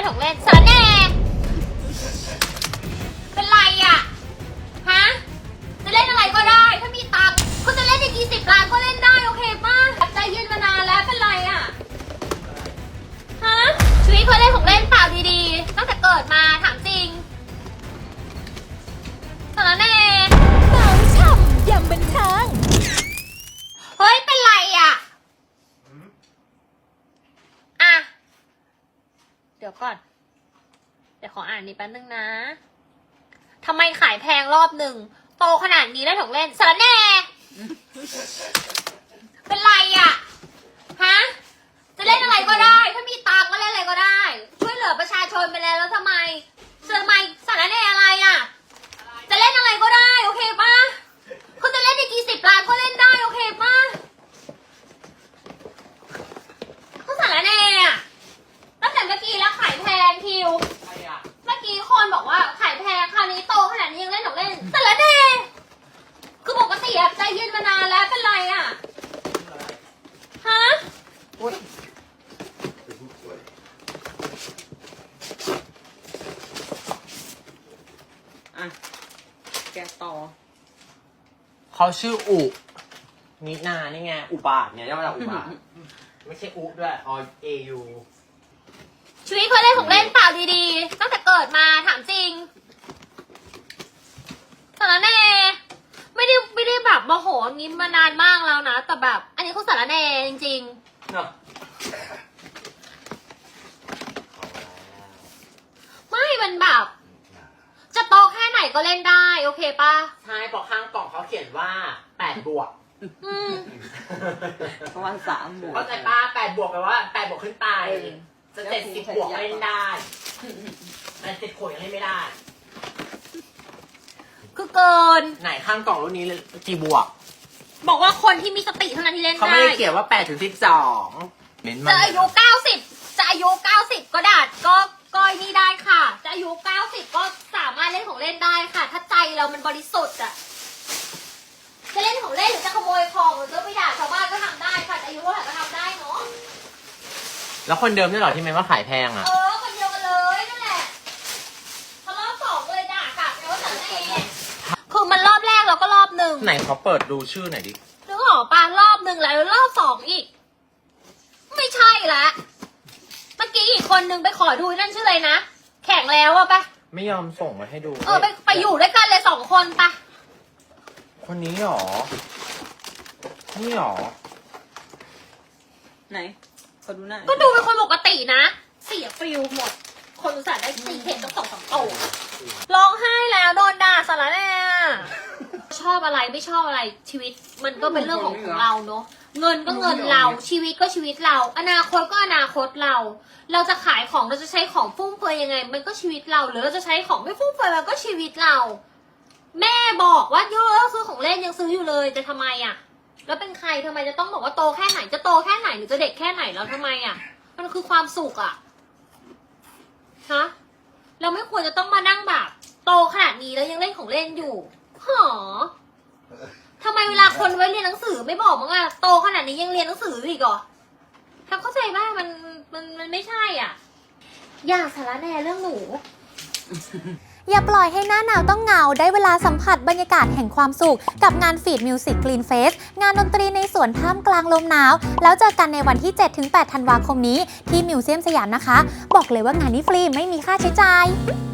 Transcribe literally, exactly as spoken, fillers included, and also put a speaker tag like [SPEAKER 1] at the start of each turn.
[SPEAKER 1] ของเล่นสารแหน่เป็นไรอ่ะฮะจะเล่นอะไรก็ได้ถ้ามีตังค์คุณจะเล่นอีกกี่สิบล้านก็เล่นได้โอเคป่ะใจเย็นมานานแล้วเป็นไรอ่ะฮะชีวิตเคยเล่นของเล่นเปล่าดีๆตั้งแต่เกิดมาถามจริงสารแหน่
[SPEAKER 2] เมาช่ำยำบันเทิง
[SPEAKER 1] เฮ้ยเป็นไรอ่ะอ่ะเดี๋ยวก่อนเดี๋ยวขออ่านนิดแป๊บนึงนะทำไมขายแพงรอบหนึ่งโตขนาดนี้แล้วของเล่นสารแหน่เป็นไรอ่ะฮะจะเล่นอะไรก็ได้ถ้ามีตังค์ก็เล่นอะไรก็ได้ช่วยเหลือประชาชนไปแล้วแล้วทำไมเสือไมสารแหน่อะไรอ่ะจะเล่นอะไรก็ได้โอเคป่ะคุณจะเล่นอีกกี่สิบล้านก็เล่นได้โอเคป่ะคุณสารแหน่อะตั้งแต่เมื่อกี้แล้วขายแพงคิวเมื่อกี้คนบอกว่าขายแพงคราวนี้โตขนาดนี้ยังเล่นของเล่นสารแหน่คือปกติอะใจเย็นมานานแล้วเป็นไรอะฮะ
[SPEAKER 3] อ่ะแกต่อ
[SPEAKER 4] เขาชื่ออุนินานี่ไงอุบาทเนี่ยย่อมาจากอุบาท ไม่ใช่อุด้วยอเอยู
[SPEAKER 1] ชีวิตเคยเล่นของเล่นเปล่าดีๆตั้งแต่เกิดมาถามจริงสารแหน่ไม่ได้ไม่ได้แบบโมโหงี้มานานมากแล้วนะแต่แบบอันนี้เขาสารแหน่จริงๆ
[SPEAKER 4] เนาะ
[SPEAKER 1] ไม่มันแบบจะโตแค่ไหนก็เล่นได้โอเคป่ะ
[SPEAKER 4] ใช่บอกข้างกล่องเขาเขียนว่าแปดบวก
[SPEAKER 1] อืม
[SPEAKER 3] ประมาณสามบวก
[SPEAKER 4] เข้าใจป้าแปดบวกแปลว่าแปดบวกขึ้นไปจะเจ็ดสิบบวกเล่นได้แต่เจ็ดขวดยังเล่นไม่ได้
[SPEAKER 1] คือเกิน
[SPEAKER 4] ไหนข้างกล่องรุ่นนี้กี่บวก
[SPEAKER 1] บอกว่าคนที่มีสติเท่านั้นที่เล่น
[SPEAKER 4] เขา
[SPEAKER 1] ได้
[SPEAKER 4] ไม่ได้เขียนว่าแปดถึงสิบสองเน้นมั
[SPEAKER 1] จะ
[SPEAKER 4] น
[SPEAKER 1] อายุเก้าสิบจะอายุเก้าสิบก็ดัดก็ก็นี่ได้ค่ะจะอายุเก้าสิบก็สามารถเล่นของเล่นได้ค่ะ ถ้าใจเรามันบริสุทธิ์อะจะเล่นของเล่นหรือจะขโมยของหรือจะไปด่าชาวบ้านก็ทำได้ค่ะจะอายุเท่าไหร่ก็ทำได้เนาะ
[SPEAKER 4] แล้วคนเดิมนี่หรอที่เมนว่าขายแพงอ่ะ
[SPEAKER 1] เออคนเดียวกันเลยนั่นแหละทะเลาะสองเลยด่ากลับแล้วแต่แน่คือมันรอบแรกแล้วก็รอบหนึ่ง
[SPEAKER 4] ไหนเขาเปิดดูชื่อหน่อยดิ
[SPEAKER 1] นึกออกปะรอบหนึ่งแล้วรอบสองอีก ไม่ใช่ละเมื่อกี้อีกคนนึงไปขอดูนั่นชื่ออะไรนะแข่งแล้วอะปะ
[SPEAKER 4] ไม่ยอมส่งมาให้ดู
[SPEAKER 1] เออไปไปอยู่ด้วยกันเลยสองคนปะ
[SPEAKER 4] คนนี้หรอ นี่หรอ
[SPEAKER 3] ไหนขอดูหน้า
[SPEAKER 1] ก็ดูเป็นคนปกตินะเสียฟิลหมด คนอุตส่าห์ได้ตีเทนต้องสองสามโตร้องไห้แล้วโดนด่าสารแน่ชอบอะไรไม่ชอบอะไรชีวิตมันก็เป็นเรื่องของของเราเนาะเงินก็เงินเราชีวิตก็ชีวิตเรา อนาคตก็อนาคตเรา เราจะขายของเราจะใช้ของฟุ่มเฟือยยังไง มันก็ชีวิตเราหรือเราจะใช้ของไม่ฟุ่มเฟือยมันก็ชีวิตเรา แม่บอกว่าเยอะซื้อของเล่นยังซื้ออยู่เลยแต่ทำไมอ่ะแล้วเป็นใครทำไมจะต้องบอกว่าโตแค่ไหนจะโตแค่ไหนหรือจะเด็กแค่ไหนแล้วทำไมอ่ะมันคือความสุขอ่ะฮะเราไม่ควรจะต้องมานั่งแบบโตขนาดนี้แล้วยังเล่นของเล่นอยู่หรอทำไมเวลาคนไว้เรียนหนังสือไม่บอกมั้งอะโตขนาดนี้ยังเรียนหนังสืออีกเหรอทำเข้าใจว่ามันมันมันไม่ใช่อ่ะอย่าสาระแน่เรื่องหนู
[SPEAKER 2] อย่าปล่อยให้หน้าหนาวต้องเหงาได้เวลาสัมผัสบรรยากาศแห่งความสุขกับงานฟีดมิวสิกกรีนเฟสงานดนตรีในสวนท่ามกลางลมหนาวแล้วเจอกันในวันที่ เจ็ดถึงแปด ธันวาคมนี้ที่มิวเซียมสยามนะคะบอกเลยว่างานนี้ฟรีไม่มีค่าใช้จ่าย